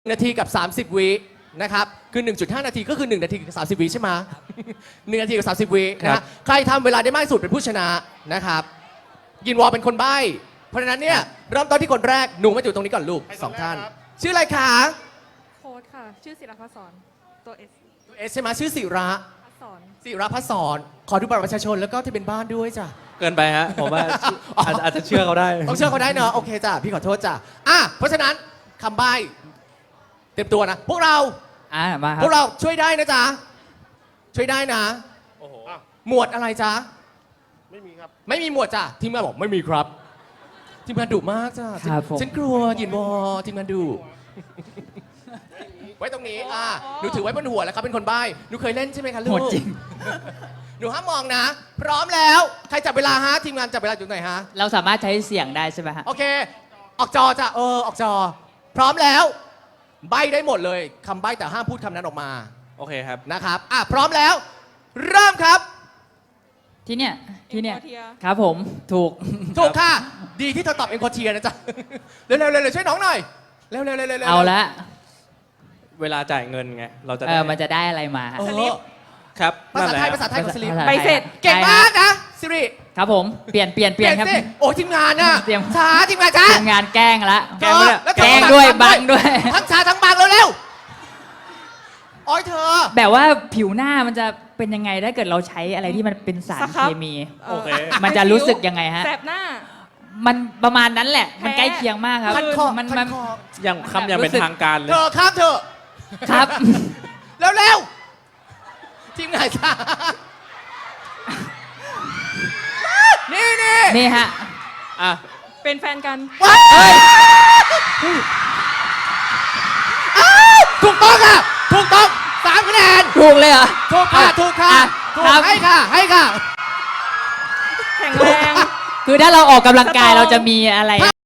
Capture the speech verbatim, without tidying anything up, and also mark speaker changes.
Speaker 1: นาทีกับ สามสิบ วินะครับคือ หนึ่งจุดห้า นาทีก็คือ หนึ่ง นาทีกับ สามสิบ วิใช่ไหม หนึ่ง นาทีกับ สามสิบ วินะฮะใครทำเวลาได้มากที่สุดเป็นผู้ชนะนะครับยินวอเป็นคนใบ้เพราะฉะนั้นเนี่ยเริ่มต้นที่คนแรกหนูมาอยู่ตรงนี้ก่อนลูกสองท่านชื่ออะไรคะ
Speaker 2: โค้ดค่ะ ชื่อศิลปศรตัวเอส
Speaker 1: เอสใช่ไหมชื่อศิระ
Speaker 2: พัศร
Speaker 1: ศิระพัศรขอดูบัตรประชาชนแล้วก็ที่เป็นบ้านด้วยจ้ะ
Speaker 3: เกินไปฮะผมว่าอาจอาจจะเชื่อเขาได้
Speaker 1: ต้องเชื่อเขาได้เนอะโอเคจ้ะพี่ขอโทษจ้ะอ่ะเพราะฉะนั้นคำใบ้เตรียมตัวนะพวกเรา
Speaker 4: อ่ามาครั
Speaker 1: พว
Speaker 4: บ
Speaker 1: กเราช่วยได้นะจ๊ะช่วยได้นะ
Speaker 3: โอ้โห
Speaker 1: หมวดอะไรจ๊ะ
Speaker 5: ไม่มีครับ
Speaker 1: ไม่มีหมวดจ้ะทีมงานบอกไม่มีครับทีมงานดุมากจ้ะ
Speaker 4: ครับผม
Speaker 1: ฉันกลัวหยินวอทีมงานดุไว้ตรงนี้อ่ะหนูถือไว้บนหัวแล้วครับเป็นคนใบ้หนูเคยเล่นใช่ไหมคะลูก
Speaker 4: โหดจริง
Speaker 1: หนูห้ามมองนะ พร้อมแล้วใครจับเวลาฮะทีมงานจับเวลาอยู่ไหนฮะ
Speaker 4: เราสามารถใช้เสียงได้ใช่ไหมฮะ
Speaker 1: โอเค ออกจอจ้ะเออออกจอ พร้อมแล้ว ใบ้ได้หมดเลยคำใบ้แต่ห้ามพูดคำนั้นออกมา
Speaker 3: โอเคครับ
Speaker 1: นะครับอ่ะพร้อมแล้ว เริ่มครับ
Speaker 4: ที่เนี่ยที่เนี่ย
Speaker 2: เอ็มโคเทีย
Speaker 4: ครับผมถูก
Speaker 1: ถูกค่ะ ดีที่เธอตอบเอ็นโคเทียนะจ๊ะ เร็วๆเร็วๆช่วยน้องหน่อย เร็วๆเร็วๆเร็วๆ
Speaker 4: เอาละ
Speaker 3: เวลาจ่ายเงินไงเราจะ
Speaker 4: เอ
Speaker 3: ได้
Speaker 4: อมันจะได้อะไรมาฮะ
Speaker 1: เอ
Speaker 2: สลิ
Speaker 1: อ
Speaker 2: ป
Speaker 3: ครับ
Speaker 1: ภาษาไทย
Speaker 3: นั่นแหละ
Speaker 1: ภาษาไทยของสลิป
Speaker 4: ภาษา
Speaker 2: ใบเสร็จ
Speaker 1: เก่งมากนะสิริ
Speaker 4: ครับผมเปลี่ยนเปลี่ยนเปลี่ยนครับ
Speaker 1: สิโอ้ทีมงานน่ะ
Speaker 4: เตรียม
Speaker 1: ช้าทีมงานช้า
Speaker 4: ทำงานแกล้งละ
Speaker 3: แกล้งปะเนี่ย
Speaker 1: แล้ว
Speaker 4: แกล้งด้วยบังด้วย
Speaker 1: ทั้งช้าทั้งบังเร็วๆโอ้ยเธอ
Speaker 4: แบบว่าผิวหน้ามันจะเป็นยังไงถ้าเกิดเราใช้อะไรที่มันเป็นสาร
Speaker 2: สครับ
Speaker 4: เคมี
Speaker 2: เอ่อ
Speaker 3: โอเค
Speaker 4: มันจะรู้สึกยังไงฮะ
Speaker 2: แสบหน้า
Speaker 4: มันประมาณนั้นแหละ มัน
Speaker 2: แพ้
Speaker 4: ใกล้เคียงมากครับ
Speaker 1: คันคอ
Speaker 4: มัน
Speaker 1: คั
Speaker 4: มัน
Speaker 1: นคอ
Speaker 3: อย่างคำอย่างเป็น
Speaker 4: รู้สึก
Speaker 3: ทางการเลย
Speaker 1: เธอข้ามเธอะ
Speaker 4: ครับ
Speaker 1: เร็วๆทีมงานช้านี่นี่
Speaker 4: นี่ฮะ
Speaker 3: อ่ะ
Speaker 2: เป็นแฟนกัน
Speaker 1: ว้ายอ้าวถูกต้องค่ะ ถูกต้องสามคะแนน
Speaker 4: ถูกเลยเหรอ
Speaker 1: ถูกค่ะถูกค่ะ
Speaker 4: อ่ะ
Speaker 1: ถูก
Speaker 4: ครับ
Speaker 1: ให้ค่ะ ให้ค่ะ
Speaker 2: แข็งแรง
Speaker 4: คือถ้าเราออกกำลังกายเราจะมีอะไร